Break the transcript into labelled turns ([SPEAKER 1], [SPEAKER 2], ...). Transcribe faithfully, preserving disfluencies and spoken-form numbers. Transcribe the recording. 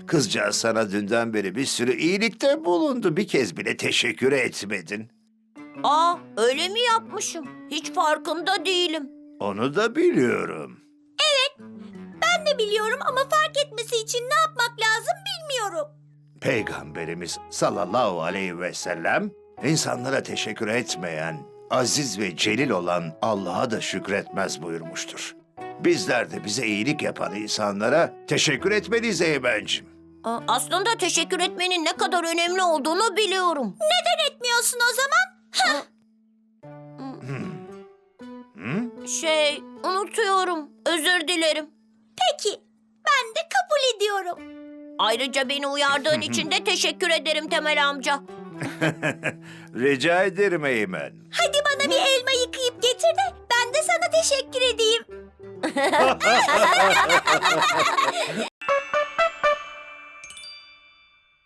[SPEAKER 1] Kızcağız sana dünden beri bir sürü iyilikte bulundu. Bir kez bile teşekkür etmedin.
[SPEAKER 2] Aa, öyle mi yapmışım? Hiç farkında değilim.
[SPEAKER 1] Onu da biliyorum.
[SPEAKER 3] Ben de biliyorum ama fark etmesi için ne yapmak lazım bilmiyorum.
[SPEAKER 1] Peygamberimiz sallallahu aleyhi ve sellem insanlara teşekkür etmeyen, aziz ve celil olan Allah'a da şükretmez buyurmuştur. Bizler de bize iyilik yapan insanlara teşekkür etmeliyiz Eymen'cim.
[SPEAKER 2] Aa, aslında teşekkür etmenin ne kadar önemli olduğunu biliyorum.
[SPEAKER 3] Neden etmiyorsun o zaman?
[SPEAKER 1] Hı?
[SPEAKER 2] Şey, unutuyorum. Özür dilerim.
[SPEAKER 3] Peki, ben de kabul ediyorum.
[SPEAKER 2] Ayrıca beni uyardığın için de teşekkür ederim Temel amca.
[SPEAKER 1] Rica ederim Eymen.
[SPEAKER 3] Hadi bana bir elma yıkayıp getir de ben de sana teşekkür edeyim.